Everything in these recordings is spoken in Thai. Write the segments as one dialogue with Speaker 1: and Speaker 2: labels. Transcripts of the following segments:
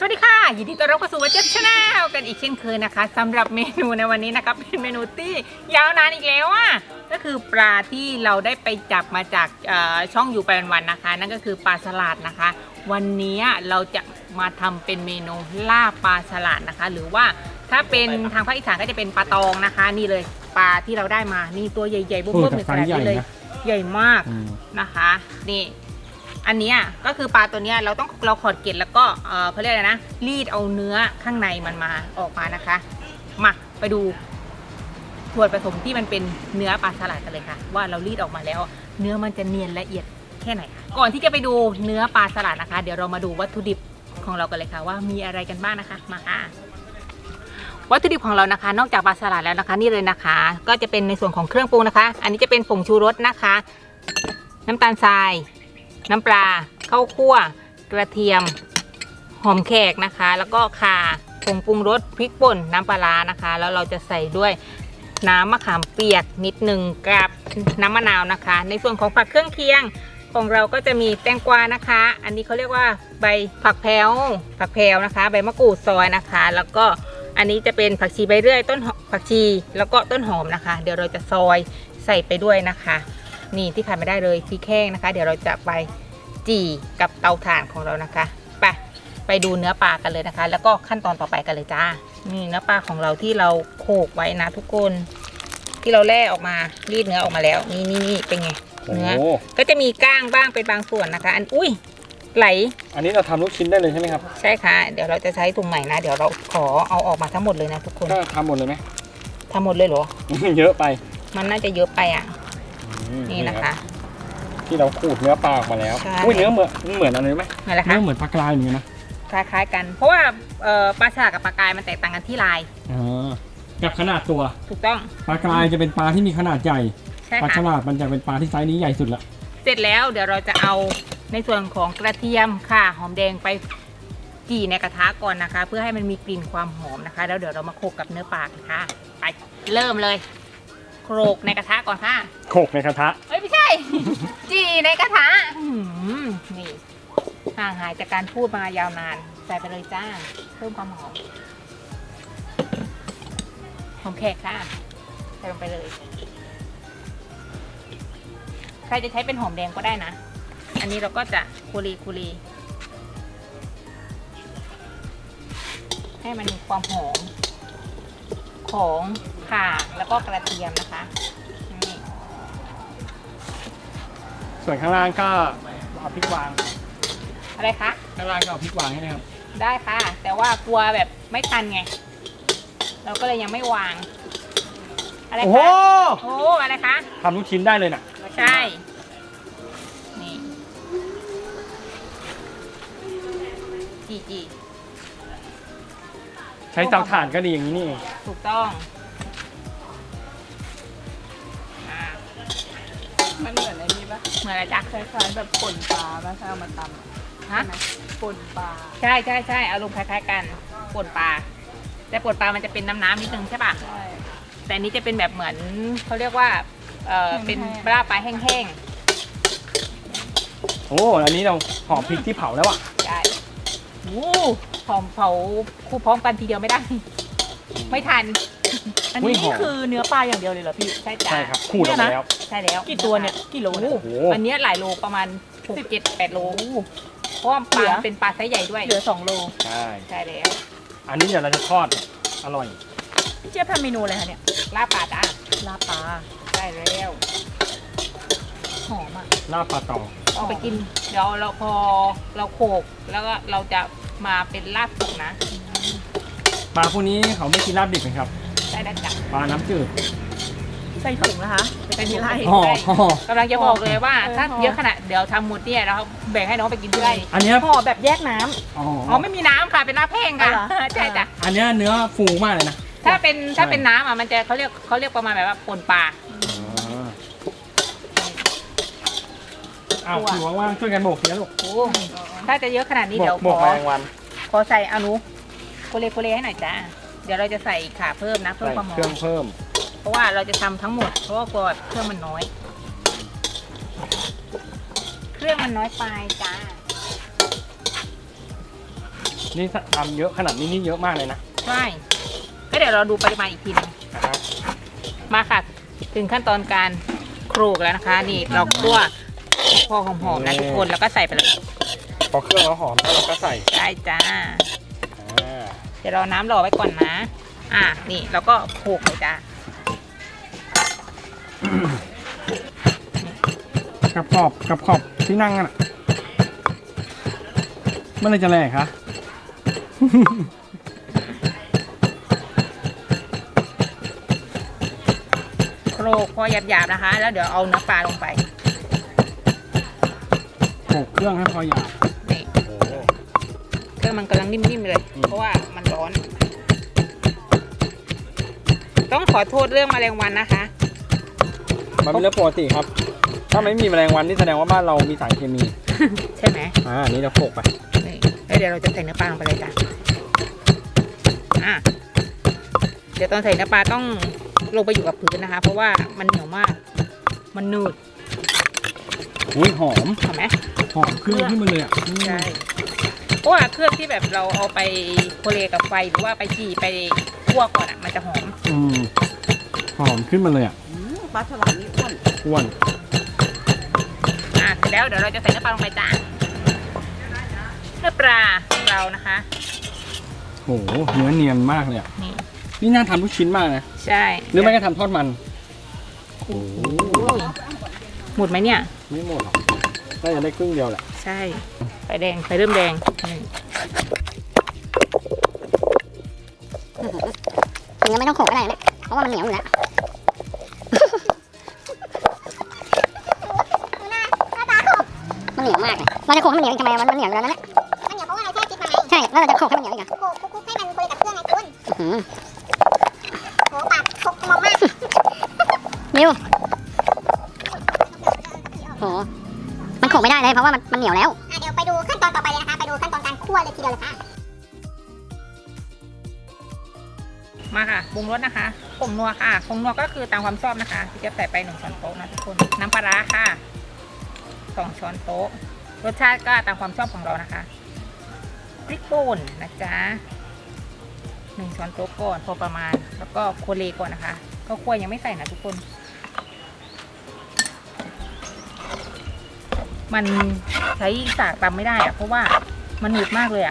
Speaker 1: วัสดีค่ะยินดีต้อนรับเข้าสู่วัจเจ็บชาแนลกันอีกเช่นเคยนะคะสำหรับเมนูในวันนี้นะคะเป็นเมนูที่ยาวนานอีกแล้วอ่ะก็คือปลาที่เราได้ไปจับมาจากช่องอยู่ไปวันๆนะคะนั่นก็คือปลาสลัดนะคะ วันนี้เราจะมาทำเป็นเมนูลาบปลาสลัดนะคะ หรือว่าถ้าเป็นทางภาคอีสานก็จะเป็นปลาตองนะคะนี่เลยปลาที่เราได้มานี่ตัวใหญ่ๆบุ้มๆในขนาดนี้เลยใหญ่มากนะคะนี่อันนี้ก็คือปลาตัวนี้เราขอดเกล็ดแล้วก็เขาเรียกอะไรนะรีดเอาเนื้อข้างในมันมาออกมานะคะมาไปดูส่วนผสมที่มันเป็นเนื้อปลาสลัดกันเลยค่ะว่าเรารีดออกมาแล้วเนื้อมันจะเนียนละเอียดแค่ไหนคะก่อนที่จะไปดูเนื้อปลาสลัดนะคะเดี๋ยวเรามาดูวัตถุดิบของเรากันเลยค่ะว่ามีอะไรกันบ้างนะคะมาค่ะวัตถุดิบของเรานะคะนอกจากปลาสลัดแล้วนะคะนี่เลยนะคะก็จะเป็นในส่วนของเครื่องปรุงนะคะอันนี้จะเป็นผงชูรสนะคะน้ำตาลทรายน้ำปลาข้าวคั่วกระเทียมหอมแขกนะคะแล้วก็ข่าผงปรุงรสพริกป่นน้ำปลาร้านะคะแล้วเราจะใส่ด้วยน้ำมะขามเปียกนิดหนึ่งกับน้ำมะนาวนะคะในส่วนของผักเครื่องเคียงของเราก็จะมีแตงกวานะคะอันนี้เขาเรียกว่าใบผักแพรวนะคะใบมะกรูดซอยนะคะแล้วก็อันนี้จะเป็นผักชีใบเลื่อยต้นผักชีแล้วก็ต้นหอมนะคะเดี๋ยวเราจะซอยใส่ไปด้วยนะคะนี่ที่ขาดไม่ได้เลยพริกแห้งนะคะเดี๋ยวเราจะไปจี่กับเตาถ่านของเรานะคะไปดูเนื้อปลากันเลยนะคะแล้วก็ขั้นตอนต่อไปกันเลยจ้านี่เนื้อปลาของเราที่เราโขลกไว้นะทุกคนที่เราแล่ออกมารีดเนื้อออกมาแล้วนี่เป็นไงเนื้อก็จะมีก้างบ้างเป็นบางส่วนนะคะอุ้ยไหล
Speaker 2: อันนี้เราทำลูกชิ้นได้เลยใช่ไหมครับ
Speaker 1: ใช่ค่ะเดี๋ยวเราจะใช้ถุงใหม่นะเดี๋ยวเราขอเอาออกมาทั้งหมดเลยนะทุกคน
Speaker 2: ก็ทำหมดเลยไหม
Speaker 1: ทำหมดเลยเหรอ
Speaker 2: เยอะไป
Speaker 1: มันน่าจะเยอะไปอ่ะนี่นะคะ
Speaker 2: ที่เราขูดเนื้อปลาออกมาแล้วอุ้ยเนื้อเหมือนอะไรไหม
Speaker 1: อะไรคะ
Speaker 2: เนื้อเหมือนปลากรายเหมือนกันนะ
Speaker 1: คล้ายๆกันเพราะว่าปลาสลัดกับปลากรายมันแตกต่างกันที่ลาย
Speaker 2: กับขนาดตัว
Speaker 1: ถูกต้อง
Speaker 2: ปลากรายจะเป็นปลาที่มีขนาดใหญ่ปลาฉลาดมันจะเป็นปลาที่ไซส์นี้ใหญ่สุดละ
Speaker 1: เสร็จแล้วเดี๋ยวเราจะเอาในส่วนของกระเทียมค่ะหอมแดงไปจี่ในกระทะก่อนนะคะเพื่อให้มันมีกลิ่นความหอมนะคะแล้วเดี๋ยวเรามาโขลกกับเนื้อปลาค่ะไปเริ่มเลยโขลกในกระทะก่อนค่ะ
Speaker 2: โขลกในกระทะ
Speaker 1: ไม่ใช่ จี่ในกระทะนี่ห่างหายจากการพูดมายาวนานใส่ไปเลยจ้าเพิ่มความหอมแขกค่ะใส่ลงไปเลยใครจะใช้เป็นหอมแดงก็ได้นะอันนี้เราก็จะคูรีให้มันมีความหอมของข่าแล้วก็กระเทียมนะคะนี่
Speaker 2: ส่วนข้างล่างก็เอาพริกวาง
Speaker 1: อะไรคะ
Speaker 2: ข้างล่างก็เอาพริกวางให้นะครับ
Speaker 1: ได้ค่ะแต่ว่ากลัวแบบไม่ทันไงเราก็เลยยังไม่วางอะไรคะโอ้อะไรคะ
Speaker 2: ทำลูกชิ้นได้เลยน่ะ
Speaker 1: ใช่นี่จี
Speaker 2: ใช้เตาถ่านก็ดีอย่างนี้นี่
Speaker 1: ถูกต้อง
Speaker 3: มันเหมือนอะไรนี่ปะ
Speaker 1: เหมือนอะไรจ๊ะ
Speaker 3: คล้ายๆแบบป่นปลาป่ะถ้าเอามาตำ
Speaker 1: ฮะ
Speaker 3: ป่นปลา
Speaker 1: ใช่อารมณ์คล้ายๆกันป่นปลาแต่ป่นปลามันจะเป็นน้ำนิดนึงใช่ป่ะ
Speaker 3: ใช่
Speaker 1: แต่นี้จะเป็นแบบเหมือนเขาเรียกว่าเป็นปลาแห้ง
Speaker 2: โอ้อันนี้เราหอมพริกที่เผาแล้วอ่ะ
Speaker 1: ใช่หอมเผาคู่พร้อมกันทีเดียวไม่ได้ไม่ทัน
Speaker 3: อันนี้คือเนื้อปลาอย่างเดียวเลยเหรอพี่
Speaker 1: ใช่จ้ะ
Speaker 2: ใช่ครับขูดออกมาแล้ว
Speaker 1: ใช่แล้ว
Speaker 3: กี่ตัวเนี่ยกี่โลเนี่ย
Speaker 1: อันนี้หลายโลประมาณ6-7-8 โลเพราะว่าปลาเป็นปลาไซส์ใหญ่ด้วย
Speaker 3: เหลือ2 โล
Speaker 1: ใช่แล้ว
Speaker 2: อันนี้เดี๋ยวเราจะทอดอร่อย
Speaker 3: พี่เจี๊ยบทำเมนูอะไรคะเนี่ย
Speaker 1: ลาบปลาจ้า
Speaker 3: ลาบปลา
Speaker 1: ใช่แล้ว
Speaker 3: หอมอ่ะ
Speaker 2: ลาบปลาตอง
Speaker 1: เอาไปกินเดี๋ยวเราพอเราโขลกแล้วก็เราจะมาเป็นลาบสุกนะ
Speaker 2: ปลาพวกนี้เขาไม่กินลาบดิบไหมครับ
Speaker 1: ใช่แล้วจ้ะ
Speaker 2: ปลาน้ำจืด
Speaker 3: ใส่ถุงนะคะ
Speaker 1: เป็นที่ไร่กำลังจะบอกเลยว่าถ้าเยอะขนาดเดี๋ยวทำหมดเนี่ยเราแบ่งให้น้องไปกินที่ไร่
Speaker 2: อันนี้
Speaker 3: ห่อแบบแยกน้
Speaker 1: ำอ๋อไม่มีน้ำค่ะเป็นลาบแห้งค่ะใช่จ้ะ
Speaker 2: อันนี้เนื้อฟูมากเลยนะ
Speaker 1: ถ้าเป็นน้ำอ่ะมันจะเขาเรียกประมาณแบบว่าป่นปลา
Speaker 2: ถือว่างๆช่วยกันโบกนะลูก
Speaker 1: ถ้าจะเยอะขนาดนี้เดี๋ยวขอใส่อนุโคเลให้หน่อยจ้าเดี๋ยวเราจะใส่ข่าเพิ่มนะเพิ่มความหอม
Speaker 2: เพิ่ม
Speaker 1: เพราะว่าเราจะทำทั้งหมดเพราะว่ากลัวเครื่องมันน้อยเครื่องมันน้อยไปจ้า
Speaker 2: นี่ทำเยอะขนาดนี้นี่เยอะมากเลยนะ
Speaker 1: ใช่ก็เดี๋ยวเราดูปริมาณอีกทีหนึง
Speaker 2: นะครับ
Speaker 1: มาค่ะ ถึงขั้นตอนการโขลกแล้วนะคะ นี่เราคั่วพอหอมๆนะทุกคนแล้วก็ใส่ไปเลย
Speaker 2: พอเครื่องเราหอมแล้วเราก็ใส่
Speaker 1: ได้จ้า
Speaker 2: อ่า
Speaker 1: เดี๋ยวเราน้ำรอไว้ก่อนนะ นี่เราก็โขลกเลยจ้า
Speaker 2: กับขอบที่นั่งน่ะเมื่อไรจะแหลกคะ
Speaker 1: โขลกพอหยาบๆนะคะ แล้วเดี๋ยวเอาเนื้อปลาลงไป
Speaker 2: โขลกเครื่องให้พอหยาบ
Speaker 1: นี่
Speaker 2: โอ้
Speaker 1: เครื่องมันกำลังนิ่มๆเลย เพราะว่ามันร้อน ต้องขอโทษเรื่องแมลงวันนะคะ
Speaker 2: มันเป็นเรื่องปกติครับ ถ้าไม่มีแมลงวันนี่แสดงว่าบ้านเรามีสารเคมี
Speaker 1: ใช่ไหม
Speaker 2: อันนี้เราโขลกไป
Speaker 1: นี่แล้วเดี๋ยวเราจะใส่เนื้อปลาลงไปเลยจ้ะเดี๋ยวตอนใส่เนื้อปลาต้องลงไปอยู่กับพื้นนะคะ เพราะว่ามันเหนียวมาก มันหนืด
Speaker 2: อุ้ยหอม
Speaker 1: เห็นไหม
Speaker 2: หอมเครื่องขึ้นมาเลยอ่ะ
Speaker 1: ใช่ เพราะว่าเครื่องที่แบบเราเอาไปโคเลกับไฟหรือว่าไปจี่ไปคั่วก่อนอ่ะมันจะหอม
Speaker 2: หอมขึ้นมาเลยอ่ะ
Speaker 3: ปลาฉลามนี่อ้วน
Speaker 2: อ้วน
Speaker 1: เสร็จแล้วเดี๋ยวเราจะใส่เนื้อปลาลงไปจ้ะเนื้อปลาของเรานะคะ
Speaker 2: โอ้โหเนื้อเนียนมากเลยอ่ะ
Speaker 1: นี่
Speaker 2: นี่น่าทำลูกชิ้นมากนะ
Speaker 1: ใช่
Speaker 2: หรือไม่ก็ทำทอดมัน โอ้โห
Speaker 1: หมดไหมเนี่ย
Speaker 2: ไม่หมดหรอกน่าจะได้ครึ่งเดียวแหละ
Speaker 1: ใช่ ไฟแดง ไฟเริ่มแดงนี่
Speaker 4: ถึงยังไม่ต้องโขกก็ได้นะเพราะว่ามันเหนียวอยู่แล้วมันเหนียวมากเลยเราจะโขกให้มันเหนียวอีกทำไมมันเหนียวอยู่แล้วนั่นแหละมันเหนียวเพราะว่าเราแช่พริกมาไงใช่ แล้วเราจะโขกให้มันเหนียวอีกเหรอโขกให้มันคุยกับเครื่องไงคุณโหปากโขกมองมากมิวโหมันโขกไม่ได้เลยเพราะว่ามันเหนียวแล้วเดี๋ยวไปดูขั้นตอนต่อไปเลยนะคะ ไปดูขั้นตอนการคั่วเลยทีเดียวเลยค่ะ
Speaker 1: มาค่ะปรุงรสนะคะผงนัวค่ะผงนัวก็คือตามความชอบนะคะที่จะใส่ไป1 ช้อนโต๊ะนะทุกคน น้ำปลาร้าค่ะ2 ช้อนโต๊ะ รสชาติก็ตามความชอบของเรานะคะพริกป่นนะจ๊ะ1 ช้อนโต๊ะก่อนพอประมาณ แล้วก็โคเลก่อนนะคะ ก็คั่วยังไม่ใส่นะทุกคน มันใช้สากตำไม่ได้อะเพราะว่ามันหนืดมากเลยอะ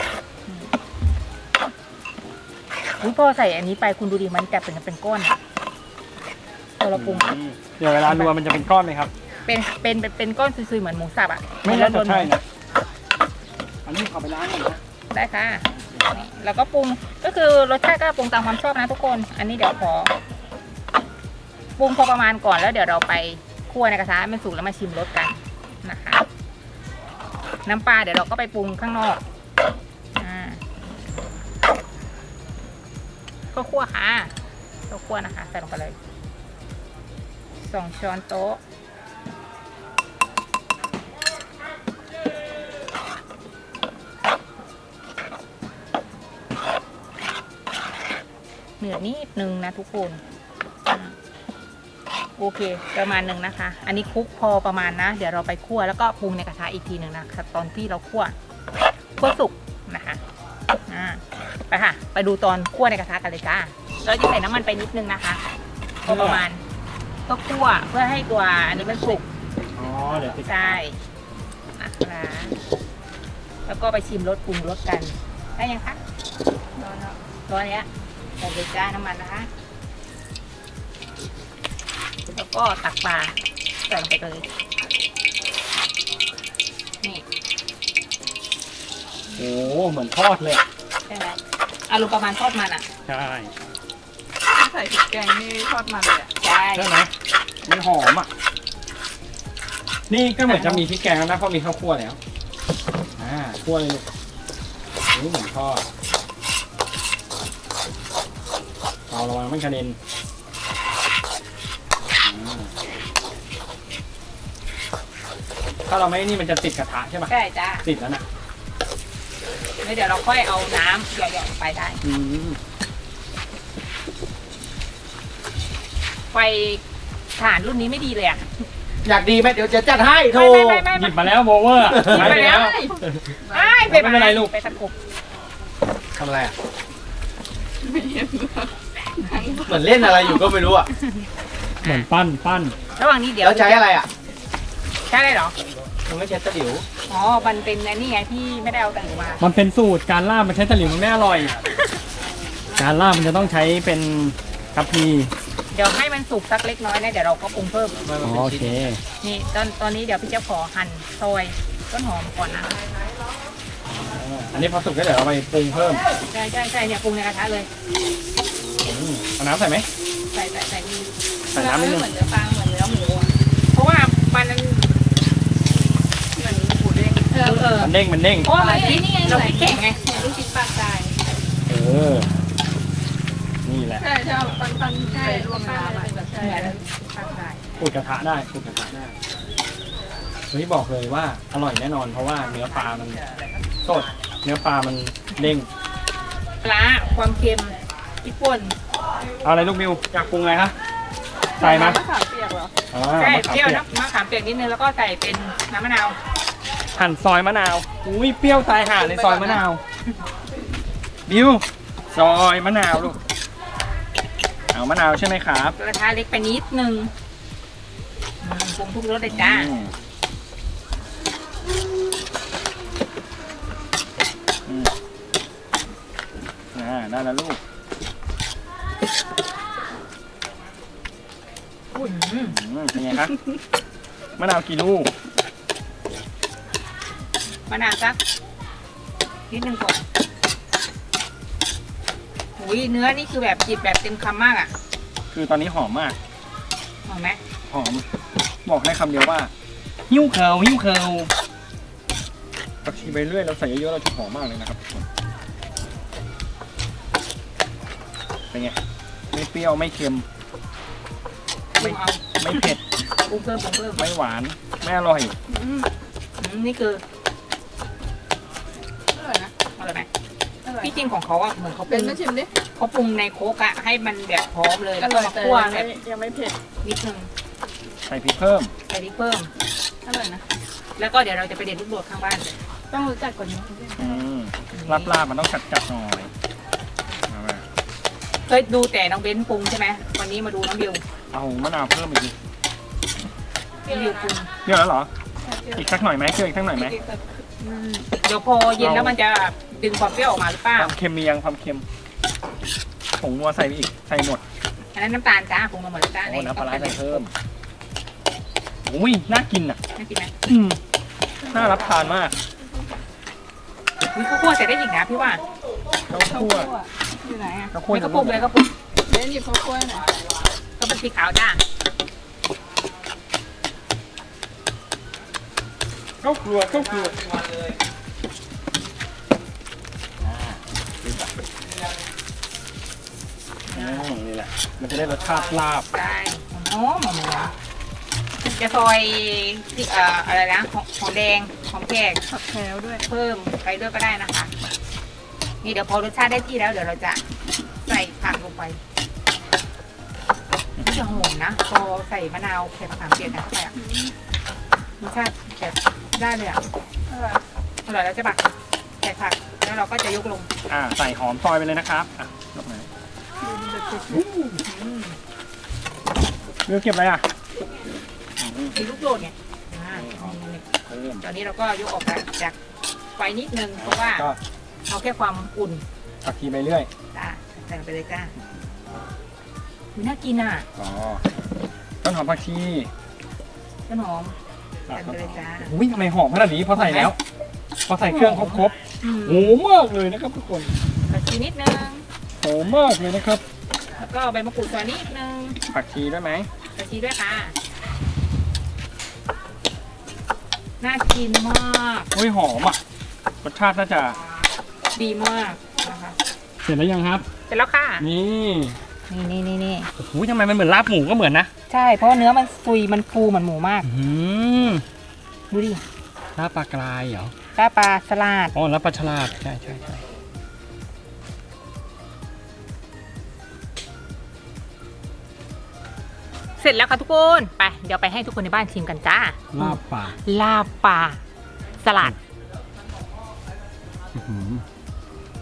Speaker 1: พอใส่อันนี้ไปคุณดูดิมันจะเป็นก้อนอะพอเราปรุง
Speaker 2: เดี๋ยวเวลารัวมันจะเป็นก้อนไหมครับ
Speaker 1: เป็นก้อนซุยๆเหมือนหมูสับอะ
Speaker 2: ไม่น่าจะใช่
Speaker 1: ๆ
Speaker 2: นะ อันนี้ขอไปล้างก่อนนะ
Speaker 1: ได้ค่ะนี่แล้วก็ปรุงก็คือรสชาติก็ปรุงตามความชอบนะทุกคน อันนี้เดี๋ยวขอปรุงพอประมาณก่อนแล้วเดี๋ยวเราไปคั่วในกระทะให้มันสุกแล้วมาชิมรสกันนะคะ น้ำปลาเดี๋ยวเราก็ไปปรุงข้างนอกก็คั่วค่ะก็คั่วนะคะใส่ลงไปเลย2 ช้อนโต๊ะเหนือนิดนึงนะทุกคนโอเคประมาณหนึ่งนะคะ อันนี้คลุกพอประมาณนะเดี๋ยวเราไปคั่วแล้วก็ปรุงในกระทะอีกทีหนึ่งนะคะตอนที่เราคั่วสุกนะคะไปค่ะไปดูตอนคั่วในกระทะกันเลยจ้าเราจะใส่น้ำมันไปนิดนึงนะคะพอประมาณก็คั่วเพื่อให้ตัวอันนี้มันสุก
Speaker 2: อ๋อ เดี๋ยวติด
Speaker 1: ใช่นะคะแล้วก็ไปชิมรสปรุงรสกันได้ยังคะร้อนแล้วร้อนเนี้ยใส่เลยจ้าน้ำมันนะคะแล้วก็ตักปลาใส่ลงไปเลยนี่
Speaker 2: โอ้เหมือนทอดเลย
Speaker 1: ใช่ไหมอารมณ์ประมาณทอดมันอ่ะ
Speaker 2: ใช่
Speaker 3: ใส่พริกแกงนี่ทอดมันเลยอ่ะ
Speaker 1: ใช่
Speaker 2: ใช่ไหมมันหอมอ่ะ นี่ก็เหมือนจะมีพริกแกงแล้วนะเพราะมีข้าวคั่วแล้วคั่วเลยลูกนี่เหมือนทอดเราระวังไม่กระเด็นถ้าเราไม่นี่มันจะติดกระทะใช่ไหม
Speaker 1: ใช่จ้า
Speaker 2: ติดแล้วนะ
Speaker 1: แล้วเดี๋ยวเราค่อยเอาน้ำหยอดๆไปได้ไฟถ่านรุ่นนี้ไม่ดีเลยอ่ะ
Speaker 5: อยากดีไหมเดี๋ยวจะจัดให้โทร
Speaker 1: ไม่
Speaker 2: หยิบมาแล้วโบเวอร์
Speaker 1: หยิบมาแล้ว
Speaker 2: ไม่เป็นไรลูก
Speaker 1: ไปตะกุบ
Speaker 5: ทำอะไรอ่ะ
Speaker 3: ไม่เห็นหรอกนั่ง
Speaker 5: เหมือนเล่นอะไรอยู่ก็ไม่รู้อ่ะ
Speaker 2: เหมือนปั้น
Speaker 1: ระหว่างนี้เดี๋ยว
Speaker 5: แล้วใช้อะไรอ่ะ
Speaker 1: ใช้อะไรเหรอ
Speaker 5: มันไม่ใช่ตะหลิว
Speaker 1: อ๋อมันเป็นอันนี้ไงที่ไม่ได้เอาตะหลิวมา
Speaker 2: มันเป็นสูตรการล่ามันใช้ตะหลิวมันไม่อร่อย การล่ามันจะต้องใช้เป็นทัพพี
Speaker 1: เดี๋ยวให้มันสุกสักเล็กน้อยนะเดี๋ยวเราก็ปรุงเพิ่ม
Speaker 2: อ๋อโอเค
Speaker 1: นี่ตอนนี้เดี๋ยวพี่เจ้าขอหั่นซอยต้นหอมก่อนนะ
Speaker 2: อันนี้พอสุกก็เดี๋ยวเราไปปรุงเพิ่ม
Speaker 1: ใช่เนี่ยปรุงในกระทะเลย
Speaker 2: เอาน้ำใส่ไหม
Speaker 1: ใส่นี่
Speaker 2: ใส่น้ำนิดนึง
Speaker 3: เหมือนเนื้อปลาเหมือนเนื้อหมูอะ
Speaker 1: เพราะว่ามัน
Speaker 3: เหมือนหมูเด้ง
Speaker 2: มันเด้งมันเด้ง
Speaker 1: เพราะว่าเราพริกเราพริกแข็งไง
Speaker 3: เหมือนลูกชิ้นปลากราย
Speaker 2: นี่แหละ
Speaker 3: ใช่ใช่ปันใช่รวมน้ำอะแบบใช่
Speaker 1: เหมือนปลากราย
Speaker 2: ขูดกระทะได้ขูดกระทะได้เฮ้ยบอกเลยว่าอร่อยแน่นอนเพราะว่าเนื้อปลามันสดเนื้อปลามันเด้ง
Speaker 1: ปลาความเค็มพริกป่น
Speaker 2: เอาอะไรลูกบิวอยากปรุงอะไรคะใส่ไหม
Speaker 3: มะขามเปียกเหรอ
Speaker 1: ใช่
Speaker 2: มะขาม
Speaker 1: เปรี้ยว
Speaker 2: เปียก
Speaker 1: นะมะขามเปียกนิดนึงแล้วก็ใส่เป็นน้ำมะนาว
Speaker 2: หั่นซอยมะนาวอุ้ยเปรี้ยวตายห่าเลยซอยมะนาวบิวซอยมะนาวลูกเอามะนาวใช่ไหมครับ
Speaker 1: กระทะเล็กไปนิดนึงปรุงทุกรสเลยจ้า
Speaker 2: ได้แล้วลูก เป็นไงครับ มะนาวกี่ลูก
Speaker 1: มะนาวสักนิดนึงก่อนอุ้ยเนื้อนี่คือแบบจิบแบบเต็มคำมากอ่ะ
Speaker 2: คือตอนนี้หอมมาก
Speaker 1: หอมไหม
Speaker 2: หอม บอกได้คำเดียวว่า หิ้วเคิลหิ้วเคิลผักชีไปเรื่อยเราใส่เยอะๆเราจะหอมมากเลยนะครับทุกคนเป็นไง ไม่เปรี้ยวไม่เค็ม
Speaker 1: ปรุงเอา
Speaker 2: ไม่เผ็ด
Speaker 1: ปรุงเพิ่ม
Speaker 2: ไม่หวาน ไม่อร่อย
Speaker 1: นี่คือ
Speaker 3: อร่อยนะ
Speaker 1: อะไรไหม
Speaker 3: อร่อย
Speaker 1: ที่จริงของเขาอ่ะเหมือนเขาป
Speaker 3: เป็
Speaker 1: รุ
Speaker 3: น
Speaker 1: ง
Speaker 3: มาชิมดิ
Speaker 1: เขาปรุงในโคกอะให้มันแบบพร้อมเลย
Speaker 3: อ
Speaker 1: แล้วก็
Speaker 3: ร่อย
Speaker 1: มา
Speaker 3: แต่
Speaker 1: คั่วแบบ
Speaker 3: ยังไม่เผ็ด
Speaker 1: นิดนึง
Speaker 2: ใส่พริกเพิ่ม
Speaker 1: ใส่พริกเพิ่ม
Speaker 3: อร่อยนะ
Speaker 1: แล้วก็เดี๋ยวเราจะไปเด็ดลูกโดดข้างบ้าน
Speaker 3: ต้องรู้จักก่อนนะ
Speaker 2: ลาบมันต้องจัดๆหน่อยเอามา
Speaker 1: เคยดูแต่น้องเบ้นปรุงใช่ไหมวันนี้มาดูน้องบิว
Speaker 2: เอามะนาวเพิ่มอีกที
Speaker 1: น้องบิวปรุง
Speaker 2: เยอะแล้วเหรอ อีกสักหน่อยไหมเชื่ออีกสักหน่อยไหม
Speaker 1: เดี๋ยวพอเย็นแล้วมันจะดึงความเปรี้ยวออกมาหรือเปล่า
Speaker 2: ความเค็มมียังความเค็มผงนัวใส่ไปอีกใส่หมด
Speaker 1: อันนั้นน้ำตาลจ้าปรุงมาหมดแล้วจ้า
Speaker 2: โอ้น้ำปลาร้าใส่เพิ่มอุ้ยน่ากินอ่ะ
Speaker 1: น่ากินไหม
Speaker 2: น่ารับทานมาก
Speaker 1: วิข้าวคั่วใส่ได้อีกนะพี่ว่า
Speaker 2: ข้าวคั่ว
Speaker 3: อยู่ไหนอ่ะ
Speaker 2: ข้าวคั่ว
Speaker 1: ไม่ก็ปรุงเลยก็ปรุง
Speaker 3: เล่นหยิบข้าวคั่วหน่อย
Speaker 1: ก็เป็นพริกขาวจ้า
Speaker 2: ข้าวครัวนี่แหละ มันจะได้รสชาติลาบ
Speaker 1: ได้หอมจะซอยที่อะไรนะหอมแดงหอมแขก
Speaker 3: ผักแพรวด้วย
Speaker 1: เพิ่มไปด้วยก็ได้นะคะ นี่เดี๋ยวพอรสชาติได้ที่แล้วเดี๋ยวเราจะใส่ผักลงไปนี่จะหอมนะ พอใส่มะนาวใส่มะขามเปียกนะเข้าไปอ่ะรสชาติแบบได้เลยอ่ะ
Speaker 3: อร่อย
Speaker 1: อร่อยแล้วจะบักใส่ผักแล้วเราก็จะยกลง
Speaker 2: ใส่หอมซอยไปเลยนะครับยกไหนเลือกเก็บอะไรอ่ะ
Speaker 1: มีลูกโดดไงตอนนี้เราก็ยกออกจากไฟนิดนึงเพราะว่า
Speaker 2: ก็
Speaker 1: เอาแค่ความอุ่น
Speaker 2: ผักชีไปเรื่อย
Speaker 1: จ้าใส่ไปเลยจ้าน่ากินอ่ะ
Speaker 2: ต้นหอมผักชี
Speaker 1: ต้นหอมใส่ไปเลยจ้า
Speaker 2: อุ้ยทำไมหอมขนาดนี้พอใส่แล้ว พอใส่เครื่องครบโหมากเลยนะครับทุกคน
Speaker 1: ผักชีนิดนึง
Speaker 2: หอมมากเลยนะครับ
Speaker 1: แล้วก็ใบมะกรูดซอยนิดนึง
Speaker 2: ผักชีด้วยไหม
Speaker 1: ผักชีด้วยค่ะน่ากินมาก
Speaker 2: อุ้ยหอมอ่ะรสชาติน่าจะ
Speaker 1: ดีมากนะคะ
Speaker 2: เสร็จแล้วยังครับ
Speaker 1: เสร็จแล้วค่ะ
Speaker 2: นี่
Speaker 1: นี่
Speaker 2: โอ้โหทำไมมันเหมือนลาบหมูก็เหมือนนะ
Speaker 1: ใช่เพราะว่าเนื้อมันซุยมันฟูเหมือนหมูมาก ดูดิ
Speaker 2: ลาบปลากรายเหรอ
Speaker 1: ลาบปลาสลัด
Speaker 2: อ๋อลาบปลาฉลาดใช่
Speaker 1: เสร็จแล้วค่ะทุกคนไปเดี๋ยวไปให้ทุกคนในบ้านชิมกันจ้า
Speaker 2: ลาบปลา
Speaker 1: ลาบปลาสลัด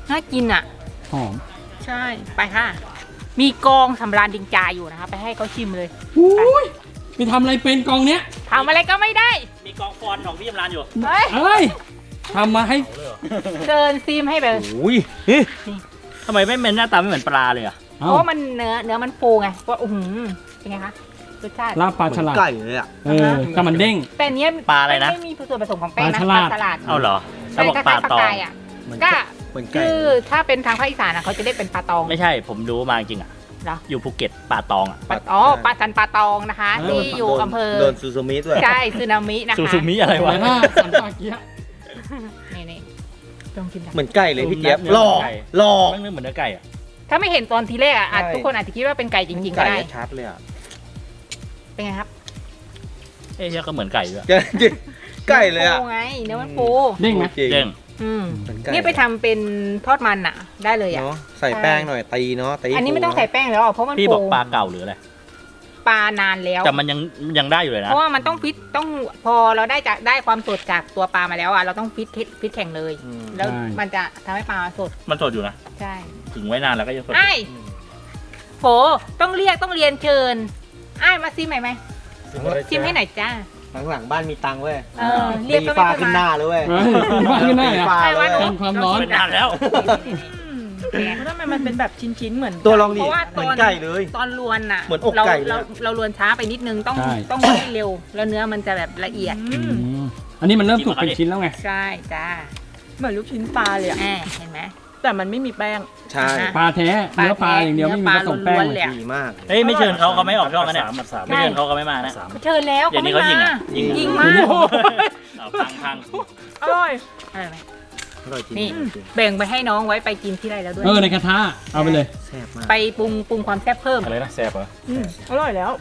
Speaker 1: น่ากินอ่ะ
Speaker 2: หอม
Speaker 1: ใช่ไปค่ะ มีกองสำราญดิงจาอยู่นะคะไปให้เขาชิมเลย
Speaker 2: อุ้ยไปทำอะไรเป็นกองเนี้ย
Speaker 1: ทำอะไรก็ไม่ได้
Speaker 5: มีกองฟอนของพี่ยำรานอยู่
Speaker 1: เฮ้ย
Speaker 2: เอ้ยทำมาให้
Speaker 1: เชิญซิมให้ไปเลย
Speaker 5: อุ้ยทำไมไม่เหม็นหน้าตาไม่เหมือนปลาเลยอ่ะ
Speaker 1: เพราะว่ามันเนื้อมันฟูไงว่าเป็นไงคะรสชาติ
Speaker 2: ลาบปลาฉลาด
Speaker 5: ไก่เลยอ่ะ
Speaker 2: ก็มันเด้ง
Speaker 1: แต่อันเนี้ย
Speaker 5: ปลาอะไรนะ
Speaker 1: ไม่มีส่วนผสมของแป้งนะ
Speaker 2: ปลาฉลาด
Speaker 1: ฉลาด
Speaker 5: เอาเหรอ
Speaker 1: ใช่
Speaker 5: แล้วบอก
Speaker 1: ก็
Speaker 5: ปลา
Speaker 1: คล้ายๆปลา
Speaker 5: ตอง
Speaker 1: กายอ่ะก็
Speaker 5: เหมือนไก่
Speaker 1: คือถ้าเป็นทางภาคอีสานนะเขาจะเรียกเป็นปลาตอง
Speaker 5: ไม่ใช่ผมรู้มาจริงๆอ่ะ
Speaker 1: เหรอ
Speaker 5: อยู่ภูเก็ตปลาตองอ่ะ
Speaker 1: ปลาสันปลาตองนะคะที่อยู่อำเภอ
Speaker 6: โดนซูซูมิด้วย
Speaker 1: ใช่ซึนามินะคะ
Speaker 5: ซูซูมิอะไรวะ
Speaker 2: แต่ถ้าสันปลาเกี๊ยะ
Speaker 1: นี่ต้องกิน
Speaker 6: เหมือนไก่เลยพี่เจี๊ยบ
Speaker 5: เนื้อ
Speaker 6: หล่อ
Speaker 5: ไก่
Speaker 6: หล่อ
Speaker 5: ไม่เหมือนเนื้อไก่อ่ะ
Speaker 1: ถ้าไม่เห็นตอนทีแรกอ่ะ
Speaker 6: ใช่
Speaker 1: ทุกคนอาจจะคิดว่าเป็นไก่จริงๆก็
Speaker 6: ไก่
Speaker 1: ได้
Speaker 6: ชัดเลยอ่ะ
Speaker 1: เป็นไงครับ
Speaker 5: เอ๊ะก็เหมือนไก่ด้วย
Speaker 6: ไก่เลยอ่ะ
Speaker 1: เนื้อมันฟูไงเนื้อมันฟู
Speaker 2: เด้งไหม
Speaker 6: จริง
Speaker 5: เด้ง
Speaker 1: อืม
Speaker 6: เหมือนไก่
Speaker 1: นี่ไปทำเป็นทอดมันอ่ะ ได้เลยอ่ะ
Speaker 6: เนาะใส่แป้งหน่อยตีเนาะตี
Speaker 1: อันนี้ไม่ต้องใส่แป้งแล้วอ่ะเพราะมัน
Speaker 5: พี่
Speaker 1: ฟู
Speaker 5: บอกปลาเก่าหรืออะไร
Speaker 1: ปลานานแล้ว
Speaker 5: แต่มันยังได้อยู่เลย
Speaker 1: เพ
Speaker 5: นะ
Speaker 1: ราะว่ามันต้องฟิตต้องพอเราได้ความสดจากตัวปลามาแล้วอ่ะเราต้องฟิตแข่งเลย
Speaker 6: อืม
Speaker 1: แล้วมันจะทำให้ปลาสด
Speaker 5: มันสดอยู่นะ
Speaker 1: ใช่
Speaker 5: ถึงไว้นานแล้วก็ยังสดอยู่
Speaker 1: ไอ้โหต้องเรียนเชิญไอ้มาซิมหน่อยไหมซิมให้หน่อยจ้า
Speaker 6: หลังๆบ้านมีตังค์เว้ย
Speaker 1: เออเรียก
Speaker 6: ตี
Speaker 1: ก็ไม่
Speaker 6: ฟ้า
Speaker 1: ค่อย
Speaker 6: ขึ้นห
Speaker 1: มา
Speaker 6: น้าเลยเว้ย
Speaker 2: เฮ้ยบ้านขึ้นหน้า
Speaker 6: ตี
Speaker 2: อ่ะ
Speaker 6: ฟ้า
Speaker 1: ไอ้
Speaker 6: เล
Speaker 1: ว่าย หนู
Speaker 2: เป็นความร้อน
Speaker 5: เป็นนานแล้ว
Speaker 3: ทำไมมันเป็นแบบชิ้นๆเหมือน
Speaker 6: ตัวลองดิ
Speaker 1: เพราะว่า
Speaker 6: เหมือนไก่เลย
Speaker 1: ตอนลวนน่ะ
Speaker 6: เหมือนอกไก่เลย
Speaker 1: เราลวนช้าไปนิดนึงต้อง
Speaker 2: ใช่
Speaker 1: ต้องให้เร็ว แล้วเนื้อมันจะแบบละเอียด
Speaker 2: อืมอันนี้มันเริ่มสุกเป็นชิ้นแล้วไง
Speaker 1: ใช่จ้า
Speaker 3: เหมือนลูกชิ้นปลาเลยอะ
Speaker 1: แหมเห็นไหม
Speaker 3: แต่มันไม่มีแป้ง
Speaker 6: ใช่
Speaker 2: ปลาแท้เนื้อปลาอย่างเดียวไม่มีผสมแป้ง
Speaker 1: เนื้อปลาล้วนๆเลย
Speaker 6: ดีมาก
Speaker 5: เฮ้ยไม่เชิญเขาไม่ออกช่องกันเนี่ยไม่เชิญเขาไม่มานะ
Speaker 1: เชิญแล้ว
Speaker 5: เดี๋ยวนี้
Speaker 1: ไม่
Speaker 5: เขายิง
Speaker 1: มา
Speaker 5: อ่ะยิง
Speaker 1: ยิงมาก
Speaker 5: เอาพัง
Speaker 3: อร่อย
Speaker 1: เออไหม
Speaker 6: อร่อยจริง
Speaker 1: นี่
Speaker 6: จริง
Speaker 1: แบ่งไปให้น้องไว้ไปกินที่ไรแล้วด้วย
Speaker 2: ในกระทะเอาไปเลย
Speaker 6: แซ่บมาก
Speaker 1: ไปปรุงความแซ่บเพิ่ม
Speaker 5: อะไรนะแซ่บเหรอ
Speaker 3: อร่อยแล้ว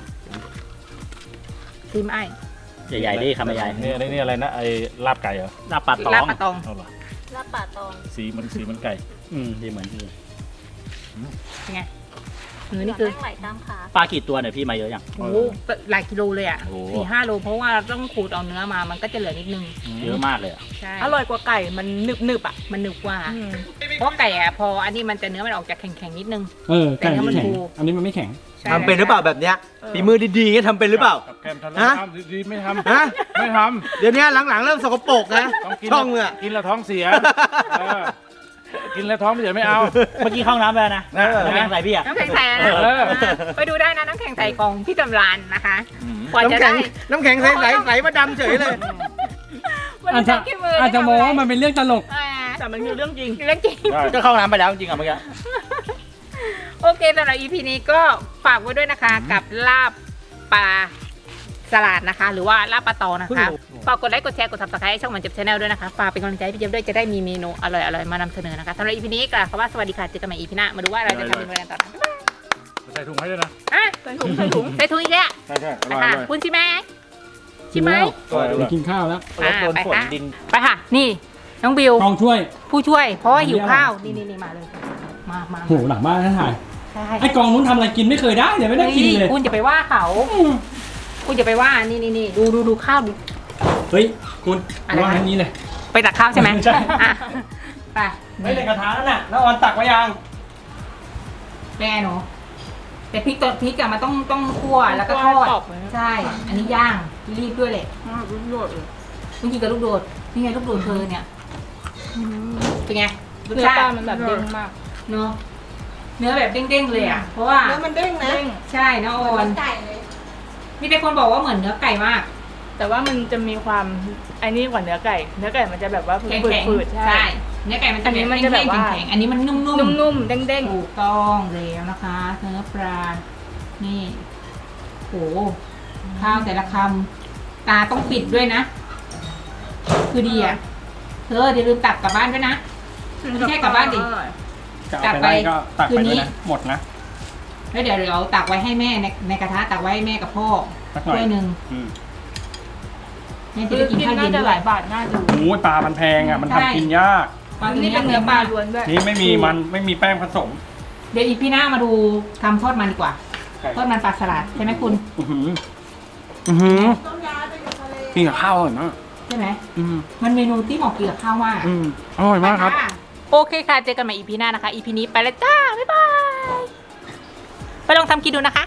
Speaker 1: ซิมไอ้
Speaker 5: ใหญ่ๆดิคำใหญ่
Speaker 7: นี่อะไรนะไอ้ลาบไก่เหรอ
Speaker 5: ลาบปลาตอง
Speaker 1: ลาบปลาตอง
Speaker 7: เอาเหรอ
Speaker 4: ลาบป่าตอง
Speaker 7: สีมันไก่
Speaker 5: ดีเหมือนพี่
Speaker 1: เป็นไงเนื้อนี่คือ
Speaker 4: ไหลตามขา
Speaker 5: ปลากี่ตัวเนี่ยพี่มาเยอะยัง
Speaker 1: โอ้โหหลายกิโลเลยอ่ะ
Speaker 5: โอ้
Speaker 1: 4-5 โลเพราะว่าเราต้องขูดเอาเนื้อมามันก็จะเหลือนิดนึง
Speaker 5: เยอะมากเลยอ่ะ
Speaker 1: ใช่
Speaker 3: อร่อยกว่าไก่ มันหนึบๆอ่ะ
Speaker 1: มันหนึบกว่า เพราะไก่อะพออันนี้มันจะเนื้อมันออกจากแข็งๆนิดนึง
Speaker 2: ไก่ไม่แข็ง
Speaker 1: แต่ถ้ามันฟู
Speaker 2: อันนี้มันไม่แข็ง
Speaker 1: ใช่
Speaker 6: ทำเป็นหรือเปล่าแบบเนี้ยฝีมือดีๆเงี้ยทำเป็นหรือเปล่า
Speaker 7: กับแกมทำ
Speaker 6: ฮะ
Speaker 7: ทำดีๆไม่ทำ
Speaker 6: ฮะ
Speaker 7: ไม่ท
Speaker 6: เดี๋ยวนี้หลังๆเริ่มสกปรกนะ
Speaker 7: ำต้องกิน
Speaker 6: ช่องเนี่ย
Speaker 7: กินแล้วท้องเสียเออกินแล้วท้องเสียไม่เอา
Speaker 5: เมื่อกี้เข้าน้ำไปแล้วนะ
Speaker 7: เออ
Speaker 5: น้ำแข็งใส่พี่อ่ะ
Speaker 1: น้ำแข็งใส่นะ
Speaker 7: เออ
Speaker 1: ไปดูได้นะน้ำแข็งใส่ของพี่จำรานนะคะกว่าจะ
Speaker 6: น้ำแข็
Speaker 1: ได้
Speaker 6: งน้ำแข็งใสๆใสมาดำเฉยเลย
Speaker 1: มัน
Speaker 2: อาจจะ
Speaker 1: ขี้มื
Speaker 2: อาจจะมองว่ามันเป็นเรื่องตลก
Speaker 3: แต่มันคือเรื่องจริง
Speaker 1: เรื่องจริง
Speaker 5: ก็เข้าน้ำไปแล้วจริงๆอ่ะเมื่อกี้
Speaker 1: โอเคสำหรับ EP นี้ก็ฝากไว้ด้วยนะคะกับลาบปลาสลัดนะคะ หรือว่าลาบปลาตองนะคะฝากกดไลค์กดแชร์กด Subscribe ให้ช่องมันจับชาแนลด้วยนะคะฝากเป็นกำลังใจให้พี่เจี๊ยบด้วยจะได้มีเมนูอร่อยๆมานำเสนอนะคะสำหรับ EP นี้กล่าวคำว่าสวัสดีค่ะเจอกันใหม่ EP หน้ามาดูว่าเราจะทำเมนูอะไรกันต่อนะ
Speaker 7: ใส่ถุงให้ด้วยนะ
Speaker 1: อ่ะ
Speaker 3: ใส่ถุง ใส่ถุง
Speaker 1: ใส่ถุงอีกแล้ว
Speaker 7: ใช่อร่อย
Speaker 1: ค่ะ
Speaker 7: เลย
Speaker 1: คุณชิมไหมชิมไหม
Speaker 2: ไปกินข้าวแล้ว
Speaker 6: รถโดนฝนดิน
Speaker 1: ไปค่ะ นี่น้องบิว
Speaker 2: กองช่วย
Speaker 1: ผู้ช่วย เพราะว่าหิว
Speaker 2: อันนี้
Speaker 1: ข้าว
Speaker 2: อะไร
Speaker 1: นี่มาเลย มา
Speaker 2: โหหลังบ้านท่านถ่าย
Speaker 1: ใช่
Speaker 2: ไอ้กองนู้นทำอะไรกินไม่เคยได้เดี๋ยวไม่ได้กินเลย
Speaker 1: คุณจะไปว่าเขาคุณจะไปว่านี่ดูข้าวดู
Speaker 2: เฮ้ยคุณ
Speaker 1: อะไร
Speaker 2: วางอันนี้เลย
Speaker 1: ไปตักข้าวใช่ไหม
Speaker 2: ใช่
Speaker 1: อ่ะไป
Speaker 2: ไม่ในกระทะนั่นน่ะแล้วออนตักไว้ยัง
Speaker 1: เป็นไงหนูแต่พริกอะมันต้องคั่วแล้วก็ทอด
Speaker 3: กรอบไหม
Speaker 1: ใช่ อันนี้ย่างรีบด้วยแหละ
Speaker 3: รุ่นโดดเลย
Speaker 1: เมื่อกี้กับลูกโดดนี่ไงลูกโดดเธอเนี่ยเป็นไงรส
Speaker 3: เนื้อ
Speaker 1: ชา
Speaker 3: ปลา
Speaker 1: ติ
Speaker 3: มันแบบเด้งมาก
Speaker 1: เนาะเนื้อแบบเด้งๆเลยอ่ะเพราะว่า
Speaker 3: เนื้อมันเด้งนะ
Speaker 1: ใช่เนื้ออ่อนมีแต่คนบอกว่าเหมือนเนื้อไก่มาก
Speaker 3: แต่ว่ามันจะมีความไอ้นี่กว่าเนื้อไก่ เนื้อไก่มันจะแบบว่า
Speaker 1: แข็ง
Speaker 3: ฝืดๆ
Speaker 1: ใช่เนื้อไก่มันจะ
Speaker 3: อันนี้มันจะแบบว่า
Speaker 1: แข็งๆอันนี้มันนุ่ม
Speaker 3: นุ่มๆ เด้ง
Speaker 1: ถูกต้องแล้วนะคะ เนื้อปลา นี่โหข้าวแต่ละคำตาต้องปิดด้วยนะ คือดีอ่ะเธอเดี๋ยวลืมตักกลับบ้านด้วยนะ
Speaker 3: ๆ
Speaker 1: ไม่ใช่กลับบ้านดิ
Speaker 2: จะเอาไปได้ก็ตักไปด้วยนะหมดนะ
Speaker 1: แล้วเดี๋ยวเราตักไว้ให้แม่ในกระทะตักไว้ให้แม่กับพ่อ
Speaker 2: สักหน่อย
Speaker 1: ถ้วยหนึ่ง
Speaker 2: อืม
Speaker 1: แม่จะ
Speaker 3: คือ
Speaker 1: ได้กิน
Speaker 3: กิน
Speaker 1: ข้าว
Speaker 3: น่า
Speaker 1: เย็น
Speaker 3: จะ
Speaker 1: ด้
Speaker 3: ห
Speaker 1: ว
Speaker 3: ลาย ยบาทน่าดู
Speaker 2: โอ้ยปลามันแพงอ่ะมันทำกินยาก
Speaker 3: นี่เป็นเนื้อปลาล้วนด้วย
Speaker 2: นี่ไม่มีแป้งผสม
Speaker 1: เดี๋ยวอีพี่หน้ามาดูทำทอดมันดีกว่า
Speaker 2: ไก่
Speaker 1: ทอดมันปลาสลัดใช่ไหมคุณ
Speaker 2: กินกับข้าวอร่อยมาก
Speaker 1: ใช่ไหม
Speaker 2: อืม
Speaker 1: มันเมนูที่เหมาะกินกับข้าวมาก
Speaker 2: อร่อยมากครับ
Speaker 1: ไปะโอเคค่ะ เจอกันใหม่ EP หน้านะคะ EP นี้ไปแล้วจ้า บ๊ายบาย ไปลองทำกินดูนะคะ